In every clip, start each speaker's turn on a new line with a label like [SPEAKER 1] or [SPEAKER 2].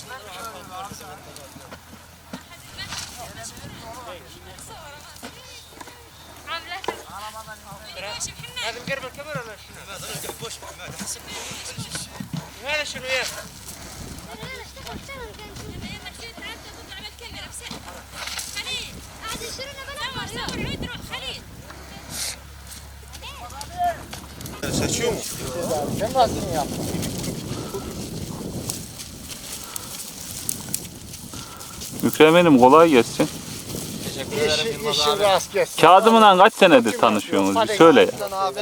[SPEAKER 1] لازم قرب الكاميرا ولا هذا شنو يا
[SPEAKER 2] Seçiyor mu?
[SPEAKER 3] Sen nasıl yaptın?
[SPEAKER 4] Mükremenim kolay gelsin.
[SPEAKER 2] Teşekkür ederim Yılmaz
[SPEAKER 3] İşin
[SPEAKER 2] abi.
[SPEAKER 3] rast gelsin.
[SPEAKER 4] Kazım'la kaç senedir tanışıyorsunuz? Bir söyle ya.
[SPEAKER 2] Abi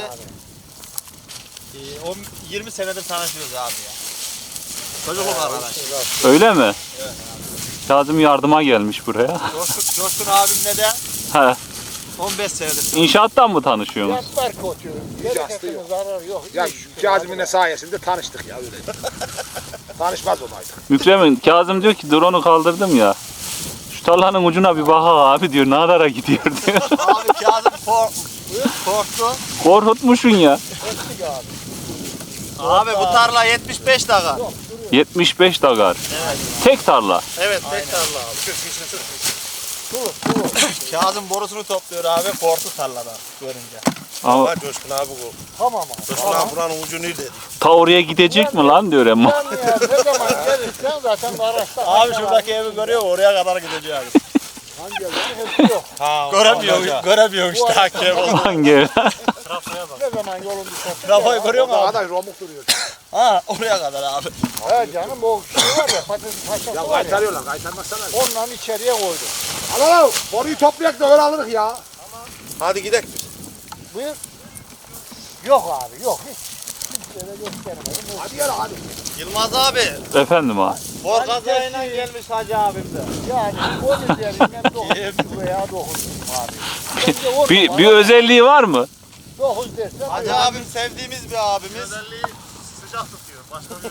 [SPEAKER 2] 20 senedir tanışıyoruz abi ya. Çocukluk arkadaş.
[SPEAKER 4] Öyle mi? Evet. Kazım yardıma gelmiş buraya.
[SPEAKER 2] Coşkun abimle de
[SPEAKER 4] He.
[SPEAKER 2] 15 senedir.
[SPEAKER 4] İnşaattan mı tanışıyorsunuz?
[SPEAKER 3] Yaslar kötü. Bereketine zarar yok.
[SPEAKER 5] Ya
[SPEAKER 3] İyi şükür.
[SPEAKER 5] Kazım'ın sayesinde tanıştık ya öyle. Tanışmaz olaydık.
[SPEAKER 4] Mükremin, Kazım diyor ki drone'u kaldırdım ya. Şu tarlanın ucuna bir bak abi diyor, ne kadara gidiyor diyor.
[SPEAKER 2] Abi Kazım korktu.
[SPEAKER 4] Korkutmuşsun ya.
[SPEAKER 3] Ettik abi.
[SPEAKER 2] Abi bu tarla 75 dakika.
[SPEAKER 4] 75 dagar.
[SPEAKER 2] Evet.
[SPEAKER 4] Tek tarla.
[SPEAKER 2] Evet tek tarla abi. Kazım borusunu topluyor abi korktu tarladan görünce.
[SPEAKER 4] Ama
[SPEAKER 5] Coşkun abi bu.
[SPEAKER 3] Tamam abi.
[SPEAKER 5] Coşkun abi buranın ucu neydi?
[SPEAKER 4] ta oraya gidecek mi lan diyor ama.
[SPEAKER 3] Sen ya ne zaman gelirsen zaten araçta.
[SPEAKER 2] Abi şuradaki evi görüyor oraya kadar gideceğiz.
[SPEAKER 3] Hangi evlerin hepsi yok.
[SPEAKER 2] Göremiyor işte hakem.
[SPEAKER 4] Aman gel.
[SPEAKER 3] Ne zaman yolun düşerse.
[SPEAKER 2] Trafoyu görüyor mu
[SPEAKER 5] Orada
[SPEAKER 2] abi?
[SPEAKER 5] kadar romuk duruyor.
[SPEAKER 2] Ha oraya kadar abi.
[SPEAKER 3] He canım o şey var ya patates paşası
[SPEAKER 5] Ya
[SPEAKER 3] var ya.
[SPEAKER 5] kaytarıyorlar, kaytarmazsana.
[SPEAKER 3] Ondan içeriye koydum.
[SPEAKER 5] Al al, boruyu toplayak da öyle alırız ya. Hadi gidelim.
[SPEAKER 3] Buyur. Yok abi yok hiç. Kimseye göstermedim.
[SPEAKER 5] Hadi gel hadi.
[SPEAKER 2] Yılmaz abi.
[SPEAKER 4] Efendim abi.
[SPEAKER 2] Bor kazayla gelmiş hacı abim de.
[SPEAKER 3] Yani 10 üzerinden 9 veya 9 abi. Bence 10
[SPEAKER 4] Bir özelliği var mı?
[SPEAKER 3] 9 dersen
[SPEAKER 2] Hacı abim sevdiğimiz bir abimiz. Sıcak tutuyor.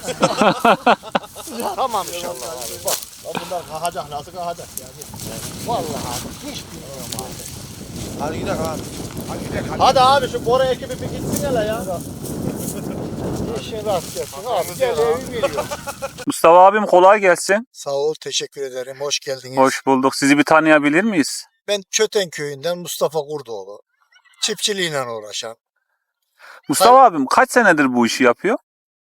[SPEAKER 3] tamam inşallah abi. Bak
[SPEAKER 2] Bunlar kalkacak nasıl kalkacak yani.
[SPEAKER 3] vallahi abi hiç bilmiyorum abi.
[SPEAKER 5] Hadi gidelim abi. Hadi gidelim hadi.
[SPEAKER 2] Hadi abi şu Bora ekibi bir gitsin hele ya.
[SPEAKER 3] İşin rast gelsin abi. Gel evi biliyorum.
[SPEAKER 4] Mustafa abim kolay gelsin.
[SPEAKER 3] Sağ ol teşekkür ederim. Hoş geldiniz.
[SPEAKER 4] Hoş bulduk. Sizi bir tanıyabilir miyiz?
[SPEAKER 3] Ben Çöten köyünden Mustafa Kurdoğlu. Çiftçiliğiyle uğraşan.
[SPEAKER 4] Mustafa abim kaç senedir bu işi yapıyor?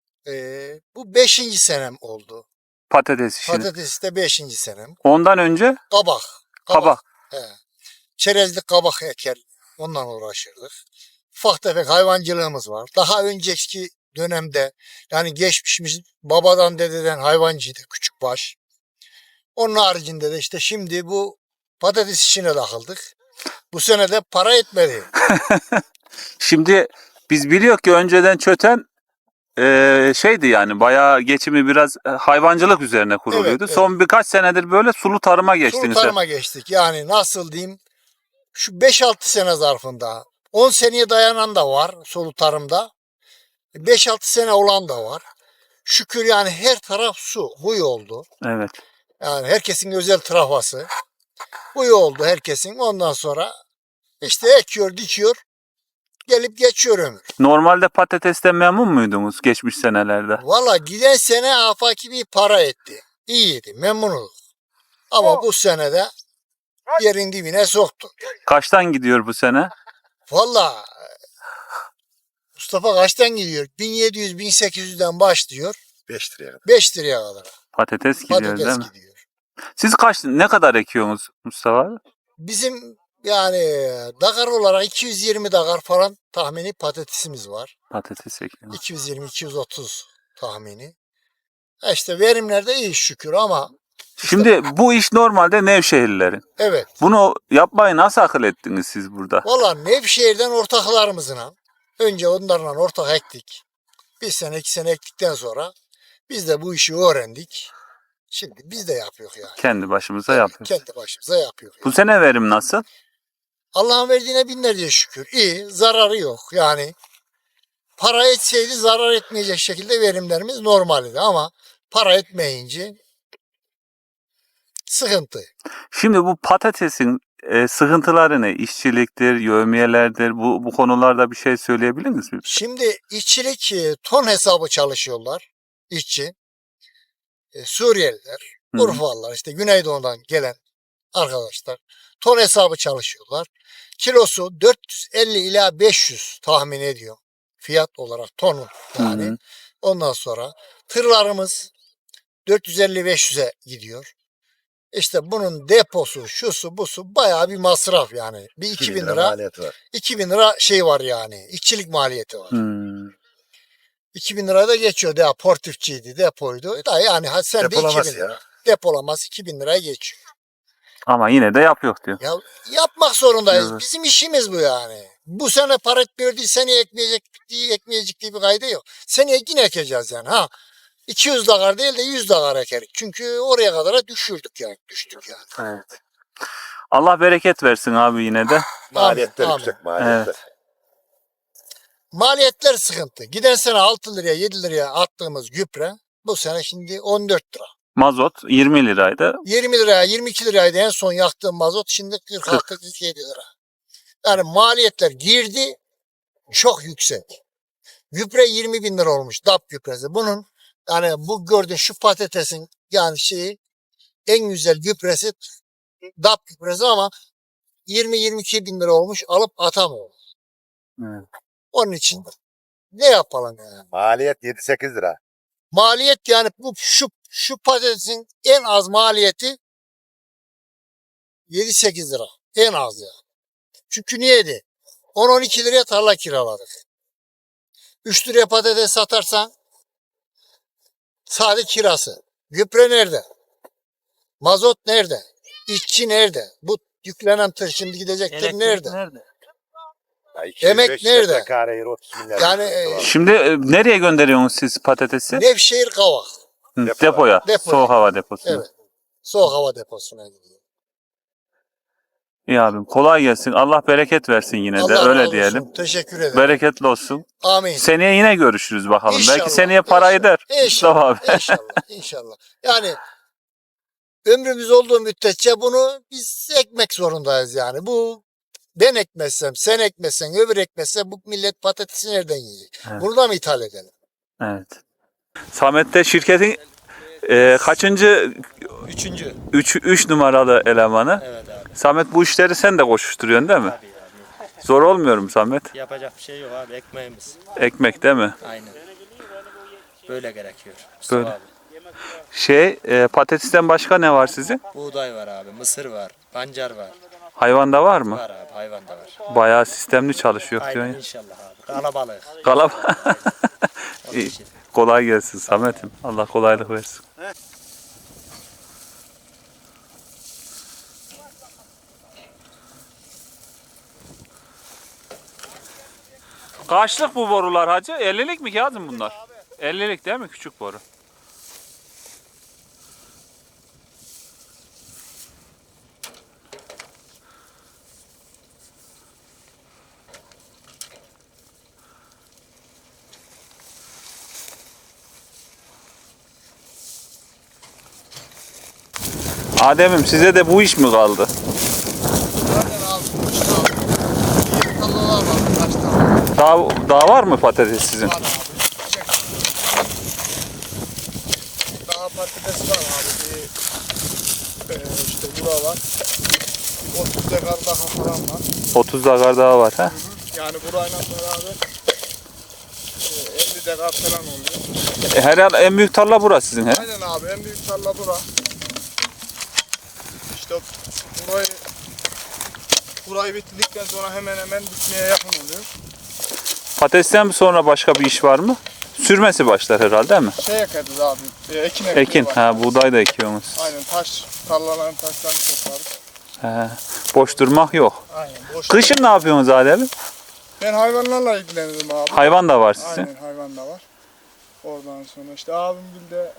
[SPEAKER 3] Bu 5. senem oldu.
[SPEAKER 4] Patates işini.
[SPEAKER 3] Patates de 5. senem.
[SPEAKER 4] Ondan önce
[SPEAKER 3] Kabak.
[SPEAKER 4] kabak.
[SPEAKER 3] He. Çerezlik kabak eker. Ondan uğraşırdık. Ufak tefek hayvancılığımız var. Daha önceki dönemde yani geçmişimiz babadan dededen hayvancıydı küçük baş. Onun haricinde de işte şimdi bu patates işine takıldık. Bu sene de para etmedi.
[SPEAKER 4] Şimdi biz biliyor ki önceden Çöten şeydi yani bayağı geçimi biraz hayvancılık üzerine kuruluyordu.
[SPEAKER 3] Evet,
[SPEAKER 4] Son birkaç senedir böyle sulu tarıma geçtiniz.
[SPEAKER 3] Sulu tarıma geçtik. Yani nasıl diyeyim şu 5-6 sene zarfında 10 seneye dayanan da var sulu tarımda. 5-6 sene olan da var. Şükür yani her taraf su. Huy oldu.
[SPEAKER 4] Evet.
[SPEAKER 3] Yani herkesin özel trafası. Huy oldu herkesin. Ondan sonra işte ekiyor, dikiyor. Gelip geçiyor ömür.
[SPEAKER 4] Normalde patatesten memnun muydunuz geçmiş senelerde?
[SPEAKER 3] Valla giden sene afaki bir para etti. İyiydi, memnunuz. Ama bu sene de yerin dibine soktu.
[SPEAKER 4] Kaçtan gidiyor bu sene?
[SPEAKER 3] Valla Mustafa kaçtan gidiyor? 1700-1800'den başlıyor.
[SPEAKER 5] 5 liraya.
[SPEAKER 3] 5 liraya kadar.
[SPEAKER 4] Patates gidiyor değil
[SPEAKER 3] Patates
[SPEAKER 4] mi?
[SPEAKER 3] gidiyor.
[SPEAKER 4] Siz ne kadar ekiyorsunuz Mustafa abi?
[SPEAKER 3] Bizim yani dakar olarak 220 dakar falan tahmini patatesimiz var.
[SPEAKER 4] Patates ekiyorsunuz.
[SPEAKER 3] 220-230 tahmini. İşte verimler de iyi şükür ama
[SPEAKER 4] Şimdi bu iş normalde Nevşehirlilerin.
[SPEAKER 3] evet.
[SPEAKER 4] Bunu yapmayı nasıl akıl ettiniz siz burada?
[SPEAKER 3] Valla Nevşehir'den ortaklarımızla önce onlarla ortak ektik. Bir sene 2 sene ektikten sonra biz de bu işi öğrendik. Şimdi biz de yapıyoruz yani.
[SPEAKER 4] Kendi başımıza yapıyoruz.
[SPEAKER 3] Kendi başımıza yapıyoruz.
[SPEAKER 4] Bu sene verim nasıl?
[SPEAKER 3] Allah'ın verdiğine binlerce şükür. İyi, zararı yok. Yani para etseydi zarar etmeyecek şekilde verimlerimiz normaldi ama para etmeyince sıkıntı.
[SPEAKER 4] Şimdi bu patatesin sıkıntıları ne? İşçiliktir, yevmiyelerdir. Bu konularda bir şey söyleyebilir misiniz?
[SPEAKER 3] Şimdi işçilik ton hesabı çalışıyorlar işçi. Suriyeliler,
[SPEAKER 4] Hı.
[SPEAKER 3] Urfalılar, işte Güneydoğu'dan gelen arkadaşlar ton hesabı çalışıyorlar. Kilosu 450 ila 500 tahmin ediyor. Fiyat olarak tonu yani.
[SPEAKER 4] Hı hı.
[SPEAKER 3] Ondan sonra tırlarımız 450-500'e gidiyor. İşte bunun deposu, şusu, busu bayağı bir masraf yani. Bir 2000 lira,
[SPEAKER 5] maliyeti var.
[SPEAKER 3] 2000 lira şey var yani. İşçilik maliyeti var.
[SPEAKER 4] Hmm.
[SPEAKER 3] 2000 lira da geçiyor. Daha portifçiydi, depoydu. Da yani hadi sen de 2000
[SPEAKER 5] Depolaması
[SPEAKER 3] lira.
[SPEAKER 5] ya.
[SPEAKER 3] Depolaması 2000 liraya geçiyor.
[SPEAKER 4] Ama yine de yapıyor diyor.
[SPEAKER 3] Ya yapmak zorundayız.
[SPEAKER 4] Evet.
[SPEAKER 3] Bizim işimiz bu yani. Bu sene para etmiyor değil, seneye ekmeyecek diye bir kaydı yok. Seneye yine ekeceğiz yani. Ha 200 dakar değil de 100 dakar ekerik. Çünkü oraya kadar düştük yani.
[SPEAKER 4] Evet. Allah bereket versin abi yine de.
[SPEAKER 5] Maliyetler
[SPEAKER 3] Amin.
[SPEAKER 5] yüksek maliyetler.
[SPEAKER 4] Evet.
[SPEAKER 3] Maliyetler sıkıntı. Giden sene 6 liraya 7 liraya attığımız gübre bu sene şimdi 14 lira.
[SPEAKER 4] Mazot 20 liraydı.
[SPEAKER 3] 20 liraya 22 liraydı en son yaktığım mazot, şimdi 46-47 lira. Yani maliyetler girdi çok yüksek. Gübre 20 bin lira olmuş DAP gübresi. Bunun yani bu gördüğün şu patatesin yani şeyi en güzel gübresi DAP gübresi ama 20-22 bin lira olmuş, alıp atamıyor.
[SPEAKER 4] Evet.
[SPEAKER 3] Onun için ne yapalım yani?
[SPEAKER 5] Maliyet 7-8 lira.
[SPEAKER 3] Maliyet yani bu şu patatesin en az maliyeti 7-8 lira. En az ya. Çünkü niyeydi? 10-12 liraya tarla kiraladık. 3 liraya patates satarsan sadece kirası. Gübre nerede? Mazot nerede? İşçi nerede? Bu yüklenen tır şimdi gidecektir nerede?
[SPEAKER 5] Ya
[SPEAKER 3] Emek
[SPEAKER 5] 200-500
[SPEAKER 3] nerede?
[SPEAKER 5] metrekare yer 30 milyar.
[SPEAKER 3] Yani
[SPEAKER 4] Şimdi nereye gönderiyorsunuz siz patatesi?
[SPEAKER 3] Nevşehir Kavak.
[SPEAKER 4] Hı,
[SPEAKER 5] Depoya.
[SPEAKER 4] depoya.
[SPEAKER 3] Depoya.
[SPEAKER 4] Soğuk hava deposuna.
[SPEAKER 3] Evet. Soğuk hava deposuna gidiyor.
[SPEAKER 4] İyi abim kolay gelsin. Allah bereket versin yine de
[SPEAKER 3] Allah
[SPEAKER 4] öyle
[SPEAKER 3] razı
[SPEAKER 4] diyelim.
[SPEAKER 3] olsun. Teşekkür ederim.
[SPEAKER 4] Bereketli olsun.
[SPEAKER 3] Amin.
[SPEAKER 4] Seneye yine görüşürüz bakalım.
[SPEAKER 3] İnşallah,
[SPEAKER 4] Belki seneye para
[SPEAKER 3] inşallah,
[SPEAKER 4] eder. Mustafa abi.
[SPEAKER 3] İnşallah. İnşallah. Yani ömrümüz olduğu müddetçe bunu biz ekmek zorundayız yani. Bu ben ekmezsem, sen ekmezsen, öbür ekmezse bu millet patatesi nereden yiyecek?
[SPEAKER 4] Evet.
[SPEAKER 3] Bunu da mı ithal edelim?
[SPEAKER 4] Evet. Samet'te şirketin kaçıncı?
[SPEAKER 6] Üçüncü.
[SPEAKER 4] 3 numaralı elemanı.
[SPEAKER 6] Evet abi.
[SPEAKER 4] Samet bu işleri sen de koşuşturuyorsun değil mi?
[SPEAKER 6] Tabii abi.
[SPEAKER 4] Zor olmuyor mu Samet?
[SPEAKER 6] Yapacak bir şey yok abi. Ekmeğimiz.
[SPEAKER 4] Ekmek değil mi?
[SPEAKER 6] Aynen. Böyle gerekiyor.
[SPEAKER 4] Böyle.
[SPEAKER 6] Mustafa abi.
[SPEAKER 4] Patatesten başka ne var sizin?
[SPEAKER 6] Buğday var abi. Mısır var. Pancar var.
[SPEAKER 4] Hayvanda var mı?
[SPEAKER 6] Var abi. Hayvan da var.
[SPEAKER 4] Bayağı sistemli çalışıyor
[SPEAKER 6] Aynen
[SPEAKER 4] diyorsun.
[SPEAKER 6] inşallah abi. Kalabalık.
[SPEAKER 4] Kalab.
[SPEAKER 6] Onun
[SPEAKER 4] İyi.
[SPEAKER 6] için.
[SPEAKER 4] Kolay gelsin Samet'im. Allah kolaylık versin. Kaçlık bu borular hacı? 50'lik mi Kazım bunlar? 50'lik değil mi küçük boru? Adem'im size de bu iş mi kaldı?
[SPEAKER 3] Zaten abi, bir tarlalar var. Kaç tane
[SPEAKER 4] Daha var mı patates sizin?
[SPEAKER 3] var abi. Çek. Daha patates var abi. İşte bura var. 30 dekar daha falan var.
[SPEAKER 4] 30 dakika daha var ha?
[SPEAKER 3] Yani burayla beraber 50 dekar falan oluyor.
[SPEAKER 4] Herhalde en büyük tarla burası sizin he?
[SPEAKER 3] Aynen abi, en büyük tarla bura. İşte burayı bitirdikten sonra hemen bitmeye yakın oluyor.
[SPEAKER 4] Patatesten sonra başka bir iş var mı? Sürmesi başlar herhalde değil mi?
[SPEAKER 3] Şey ekeriz abi, ekin ekmeği
[SPEAKER 4] Ekin,
[SPEAKER 3] var.
[SPEAKER 4] ha buğday da ekiyorsunuz.
[SPEAKER 3] Aynen tarlaların taşlarını toplarız.
[SPEAKER 4] He, boş durmak yok.
[SPEAKER 3] Aynen. Boş.
[SPEAKER 4] Kışın ne yapıyorsunuz Adem'im?
[SPEAKER 3] Ben hayvanlarla ilgilenirim abi.
[SPEAKER 4] Hayvan da var sizin.
[SPEAKER 3] Aynen, hayvan da var. Oradan sonra işte abim de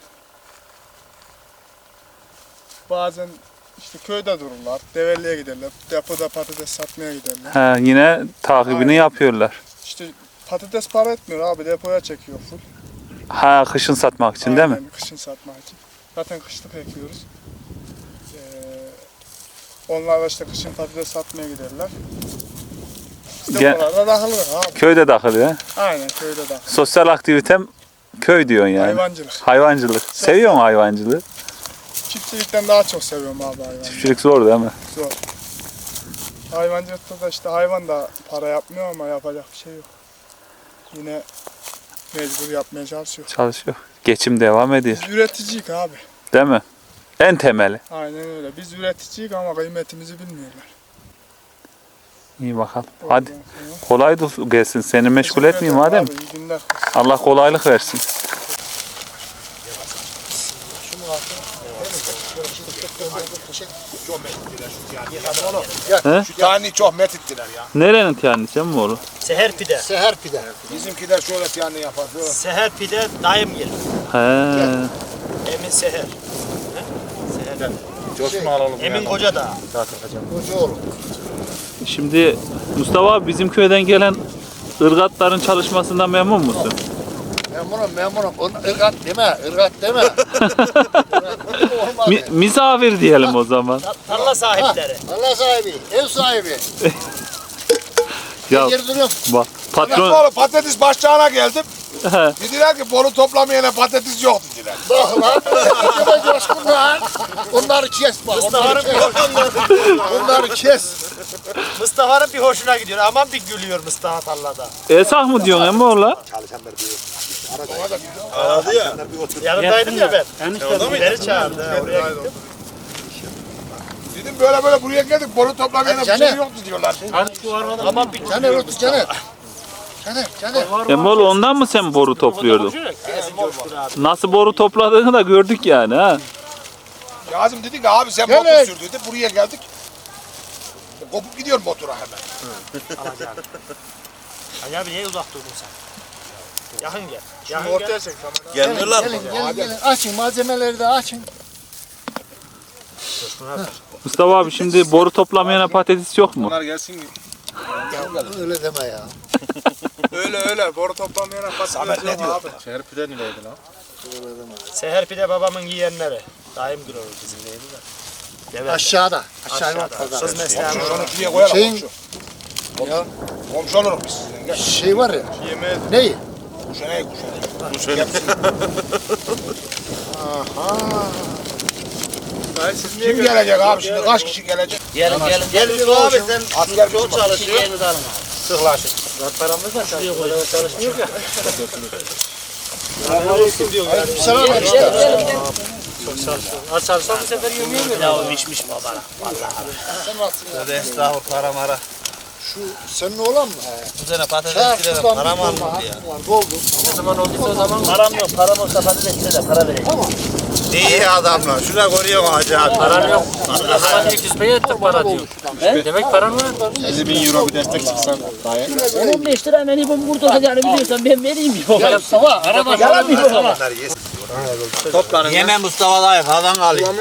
[SPEAKER 3] bazen işte köyde dururlar, Develi'ye giderler, depoda patates satmaya giderler.
[SPEAKER 4] He, yine takibini
[SPEAKER 3] Aynen.
[SPEAKER 4] yapıyorlar.
[SPEAKER 3] İşte patates para etmiyor abi, depoya çekiyor full.
[SPEAKER 4] Ha, kışın satmak için değil mi?
[SPEAKER 3] Aynen, kışın satmak için. Zaten kışlık ekiyoruz. Onlar da işte kışın patates satmaya giderler. İşte
[SPEAKER 4] Ge-
[SPEAKER 3] buralarda dağılır abi.
[SPEAKER 4] Köyde dahil he.
[SPEAKER 3] Aynen, köyde dağılır.
[SPEAKER 4] Sosyal aktivitem Köy diyorsun yani.
[SPEAKER 7] Hayvancılık.
[SPEAKER 4] Hayvancılık. Seviyor musun hayvancılığı?
[SPEAKER 7] Çiftçilikten daha çok seviyorum abi hayvancılığı.
[SPEAKER 4] Çiftçilik zor değil mi?
[SPEAKER 7] Zor. Hayvancılıkta da işte hayvan da para yapmıyor ama yapacak bir şey yok. Yine mecbur yapmaya çalışıyor.
[SPEAKER 4] Çalışıyor. Geçim devam ediyor.
[SPEAKER 7] Biz üreticiyik abi.
[SPEAKER 4] Değil mi? En temeli.
[SPEAKER 7] Aynen öyle. Biz üreticiyik ama kıymetimizi bilmiyorlar.
[SPEAKER 4] İyi bakalım. Hadi.
[SPEAKER 7] Ondan sonra-
[SPEAKER 4] Kolay da gelsin. Seni meşgul
[SPEAKER 7] Teşekkür
[SPEAKER 4] etmeyeyim
[SPEAKER 7] ederim
[SPEAKER 4] madem.
[SPEAKER 7] abi, iyi günler.
[SPEAKER 4] Allah kolaylık versin.
[SPEAKER 5] Şu tane çok metittiler ya.
[SPEAKER 4] Nerenin tiyanisi mi oğlum?
[SPEAKER 6] Seher pide.
[SPEAKER 3] Seher pide.
[SPEAKER 5] Bizimkiler şöyle tane yapar. Böyle.
[SPEAKER 6] Seher pide daim gelir.
[SPEAKER 4] He.
[SPEAKER 6] Emin Seher. Seher.
[SPEAKER 5] Coşkun alalım.
[SPEAKER 6] Emin Koca da.
[SPEAKER 3] Kocaoğlu.
[SPEAKER 4] Şimdi Mustafa abi bizim köyden gelen ırgatların çalışmasından memnun musun?
[SPEAKER 3] Memurum. Irgat deme, ırgat deme. Olmadı.
[SPEAKER 4] Misafir diyelim o zaman.
[SPEAKER 6] Tarla sahipleri.
[SPEAKER 3] Allah sahibi, ev sahibi.
[SPEAKER 4] Ya
[SPEAKER 3] Geri duruyorum.
[SPEAKER 4] bak
[SPEAKER 5] Patron...
[SPEAKER 4] patron
[SPEAKER 5] Oğlum patates başçağına geldim. Dediler ki boru toplamayana patates yok dediler.
[SPEAKER 3] Bak lan. Acaba coşkun lan. Onları kes bak. Onları kes. Onları kes.
[SPEAKER 6] Mustafa'nın bir hoşuna gidiyor. Aman bir gülüyor Mustafa tarlada.
[SPEAKER 4] Esah mı diyorsun emmi oğlan?
[SPEAKER 5] Aradı ya.
[SPEAKER 6] Yanındaydım ya ben. Beni çağırdı. Oraya gittim.
[SPEAKER 5] Dedim böyle buraya geldik boru toplamayana bir şey
[SPEAKER 3] Caner.
[SPEAKER 5] yoktu diyorlar.
[SPEAKER 6] Aman bir
[SPEAKER 3] Caner otur Caner. Caner.
[SPEAKER 4] Emmi oğlu ondan mı sen boru topluyordun? Nasıl boru topladığını da gördük yani ha.
[SPEAKER 5] Kazım dedi ki abi sen
[SPEAKER 3] Caner.
[SPEAKER 5] motor sür dedi. Buraya geldik. Kopup gidiyor motora hemen.
[SPEAKER 6] Ali abi niye uzak durdun sen? Yakın gel.
[SPEAKER 7] Şunu
[SPEAKER 6] Yakın
[SPEAKER 7] ortaya
[SPEAKER 6] gel.
[SPEAKER 7] çek kamera.
[SPEAKER 3] Gelin. Açın malzemeleri de açın.
[SPEAKER 4] Mustafa abi şimdi boru toplamayana patates yok mu?
[SPEAKER 5] Bunlar gelsin.
[SPEAKER 3] Öyle deme ya.
[SPEAKER 7] Öyle. Boru toplamayana
[SPEAKER 5] Samet ne diyor?
[SPEAKER 6] Seher pide babamın yiyenleri. Daim gülüyor bizim değil mi? Evet.
[SPEAKER 3] Aşağıda.
[SPEAKER 6] Aşağıda. Kız mesleği.
[SPEAKER 5] Komşu şunu şuraya koyalım
[SPEAKER 3] Şeyin-
[SPEAKER 5] komşu. Komşu oluruz biz sizden. Gel.
[SPEAKER 3] Şey var ya.
[SPEAKER 7] Yemeğe
[SPEAKER 3] Neyi?
[SPEAKER 5] Kuşanayı.
[SPEAKER 7] Dayı siz niye
[SPEAKER 5] Kim gelecek abi şimdi? Kaç kişi gelecek?
[SPEAKER 6] Gelin. Abi sen
[SPEAKER 5] Asker
[SPEAKER 6] çok çalışıyor.
[SPEAKER 5] Sıklaşın.
[SPEAKER 6] Paramız da çalışmıyor ya.
[SPEAKER 3] Selam ver işte.
[SPEAKER 6] Az çalışsam bu sefer yemeğe mi? Ya o içmiş babana.
[SPEAKER 3] Sen nasılsın ya?
[SPEAKER 2] Tövbe estağfurullah para mara.
[SPEAKER 3] Şu senin oğlan mı?
[SPEAKER 2] Bu sene
[SPEAKER 3] Her
[SPEAKER 2] patates bile
[SPEAKER 3] sudan
[SPEAKER 2] para mı
[SPEAKER 3] bir
[SPEAKER 2] almış
[SPEAKER 3] dolma
[SPEAKER 2] ya?
[SPEAKER 3] var. Doldu.
[SPEAKER 6] Ne zaman olduysa o zaman param yok. Param olsa patatesine de para vereyim.
[SPEAKER 2] İyi adamlar. Şuna koruyor hacı abi.
[SPEAKER 6] Param yok. O zaman ilk yüzmeye ettik para diyor. Demek param var.
[SPEAKER 5] 50.000 euro bir destek çıksan.
[SPEAKER 8] 15 lira beni bu burada olacağını biliyorsan ben vereyim bir baba.
[SPEAKER 3] Ya Mustafa.
[SPEAKER 8] Araba yalan bir baba.
[SPEAKER 2] Toplanın. Yeme Mustafa dayı falan alayım.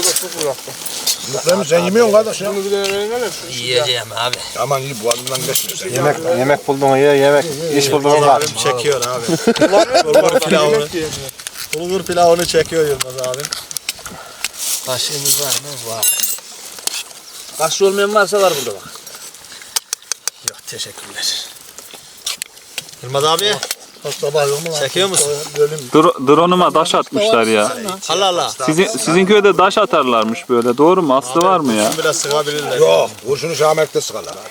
[SPEAKER 5] Sen yemiyorsun kardeş ya.
[SPEAKER 2] Yiyeceğim abi.
[SPEAKER 5] Aman iyi boğazından geçmiyor sen.
[SPEAKER 9] Yemek buldun ye yemek. İş buldun var.
[SPEAKER 2] Abim çekiyor abi. Bulgur pilavını. Bulgur pilavını çekiyor Yılmaz abim. Kaşığımız var mı? Var.
[SPEAKER 8] Kaşlı olmayan varsa var burada bak.
[SPEAKER 2] Yok teşekkürler. Yılmaz abi. Çekiyor musun?
[SPEAKER 4] Drone'uma taş atmışlar ya.
[SPEAKER 2] Allah Allah.
[SPEAKER 4] Sizin köyde taş atarlarmış böyle. Doğru mu? Aslı var mı ya?
[SPEAKER 2] Biraz sıkabilirler.
[SPEAKER 5] Yok. Kurşunu Şamer'de sıkarlar abi.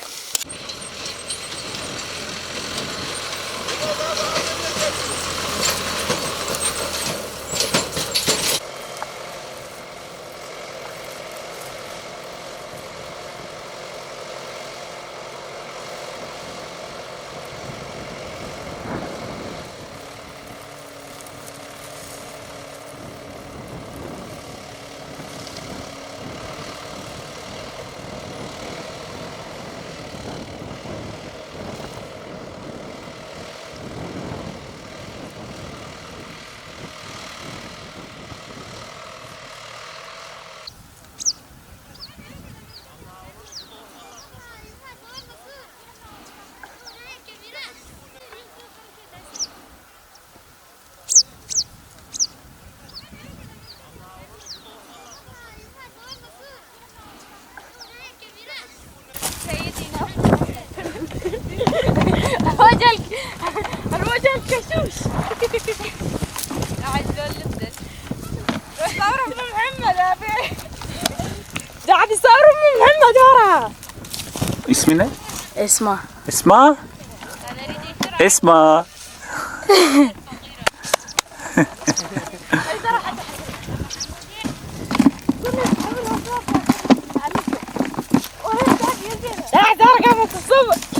[SPEAKER 10] الرجل الرجل كشوش بيصوروا محمد ورا.
[SPEAKER 4] İsmi ne?
[SPEAKER 10] اسمع.
[SPEAKER 4] Esma. Esma.
[SPEAKER 10] راح تركب الصبح.